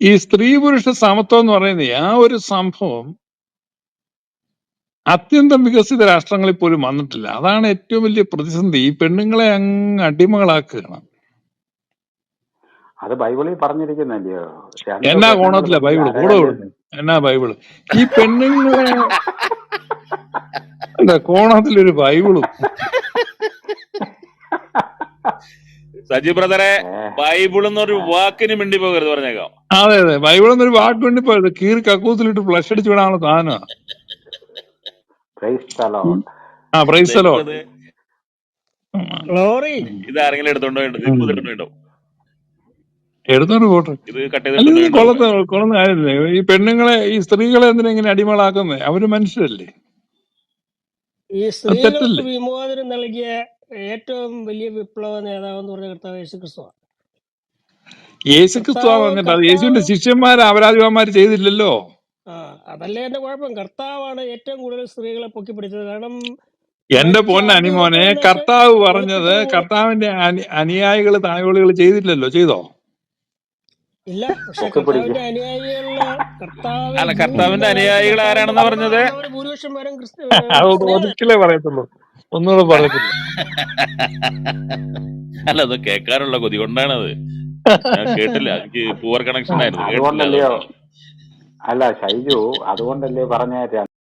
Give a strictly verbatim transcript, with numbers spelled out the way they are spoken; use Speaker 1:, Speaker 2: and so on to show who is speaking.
Speaker 1: ഈ സ്ത്രീ പുരുഷ സമത്വം എന്ന് പറയുന്ന ആ ഒരു സംഭവം അത്യന്തം വികസിത രാഷ്ട്രങ്ങളിൽ പോലും വന്നിട്ടില്ല. അതാണ് ഏറ്റവും വലിയ പ്രതിസന്ധി. ഈ പെണ്ണുങ്ങളെ അങ്ങ് അടിമകളാക്കുകയാണ്.
Speaker 2: അത് ബൈബിളിൽ പറഞ്ഞിരിക്കുന്നല്ലയോ, രണ്ട്
Speaker 1: എന്നാ
Speaker 2: പെണ്ണുങ്ങൾ
Speaker 1: കോണത്തില
Speaker 2: തമ്മിൽ
Speaker 1: ബൈബിള് കൂടെ
Speaker 2: അരകല്ല്.
Speaker 1: വിടുന്നു? എന്നാ ബൈബിള് ഈ പെണ്ണുങ്ങളെ എന്താ കോണത്തിലൊരു ബൈബിളും?
Speaker 3: സജി ബ്രദറെ,
Speaker 2: ഏ,
Speaker 3: ബൈബിൾ എന്നൊരു
Speaker 2: ആ,
Speaker 3: വാക്കിന് മിണ്ടി പോകരുത് പറഞ്ഞേക്കാം.
Speaker 1: അതെ അതെ, ബൈബിൾ എന്നൊരു വാക്ക് വേണ്ടി പോയത് കീറി കക്കൂസിലിട്ട് ഫ്ലഷ് അടിച്ചു വിടാനുള്ള സാധനമാണ്.
Speaker 2: praise the Lord.
Speaker 1: ആ പ്രൈസ് ദി
Speaker 3: ദൈവം
Speaker 1: ലോർഡ്.
Speaker 3: അത്
Speaker 4: ഗ്ലോറി.
Speaker 3: ഇത് ആരെങ്കിലും എടുത്തോണ്ടോ ഇപ്പൊ എടുത്തോണ്ടോ
Speaker 1: എടുത്തോണ്ട് പോട്ടെ.
Speaker 3: ഇത് കട്ട്
Speaker 1: അല്ല ഇത്
Speaker 3: ചെയ്തിട്ടുണ്ടോ?
Speaker 1: കൊള്ളത്ത കൊള്ളുന്ന കാര്യമില്ലേ? ഈ പെണ്ണുങ്ങളെ ഈ സ്ത്രീകളെ എന്തിനാ ഇങ്ങനെ അടിമകളാക്കുന്നത്? അവര് മനുഷ്യരല്ലേ?
Speaker 4: ഈ
Speaker 1: അത്
Speaker 4: സ്ത്രീകൾക്ക്
Speaker 1: തെറ്റല്ലേ?
Speaker 4: വിമോചനം നൽകിയ ഏറ്റവും വലിയ വിപ്ലവ നേതാവ് എന്ന് പറഞ്ഞ കർത്താവ് യേശു ക്രിസ്തുവാണ്.
Speaker 1: യേശു ക്രിസ്തുവാ
Speaker 4: കർത്താവ്
Speaker 1: പറഞ്ഞിട്ട് അത്
Speaker 4: കർത്താവ്
Speaker 1: യേശുവിന്റെ ശിഷ്യന്മാര് അപരാധിപന്മാര് ചെയ്തില്ലല്ലോ.
Speaker 4: ആ അതല്ലേ എന്റെ കുഴപ്പം. കർത്താവാണ് ഏറ്റവും കൂടുതൽ സ്ത്രീകളെ പൊക്കിപ്പിടിച്ചത്. കാരണം
Speaker 1: എന്റെ
Speaker 4: മരിച്ച
Speaker 1: പൊന്ന
Speaker 4: ആദ്യ
Speaker 1: അനിമോനെ,
Speaker 4: ഉയർത്തെഴുന്നേറ്റ്
Speaker 1: കർത്താവ് പറഞ്ഞത്
Speaker 4: വെളുപ്പിക്കൽ പോലും
Speaker 1: കർത്താവിന്റെ അനി അനുയായികള് തായോളികൾ ചെയ്തില്ലല്ലോ. ചെയ്തോ?
Speaker 4: ഇല്ല. പക്ഷെ
Speaker 2: പൊക്കി പിടിക്കും.
Speaker 4: കർത്താവിന്റെ അനുയായികളില് കർത്താവ്
Speaker 3: അല്ല, കർത്താവിന്റെ
Speaker 4: ജീവിക്കുന്ന കാലത്ത്
Speaker 3: അനുയായികൾ
Speaker 4: കർത്താവിന്റെ
Speaker 3: ആരാണെന്നാ
Speaker 4: കൂടെ
Speaker 3: പറഞ്ഞത്?
Speaker 4: നടന്നവര് ഭൂരിപക്ഷം പേരും ക്രിസ്തു
Speaker 1: അതൊന്ന്
Speaker 4: സ്ത്രീകളായിരുന്നു.
Speaker 1: ഒതുക്കിലേ പറയത്തുള്ളൂ, ഒന്നുകൂടെ പറയത്തില്ല.
Speaker 3: അല്ല, അത് കേൾക്കാനുള്ള കൊതി കൊണ്ടാണത്. ഞാൻ കേട്ടില്ല, എനിക്ക് പൂവർ കണക്ഷൻ ആയിരുന്നു, കേട്ടില്ല.
Speaker 2: അതുകൊണ്ടല്ലയോ,
Speaker 3: അതുകൊണ്ടാണ്.
Speaker 2: അല്ല ഷൈജു, അതുകൊണ്ടല്ലേ പറഞ്ഞ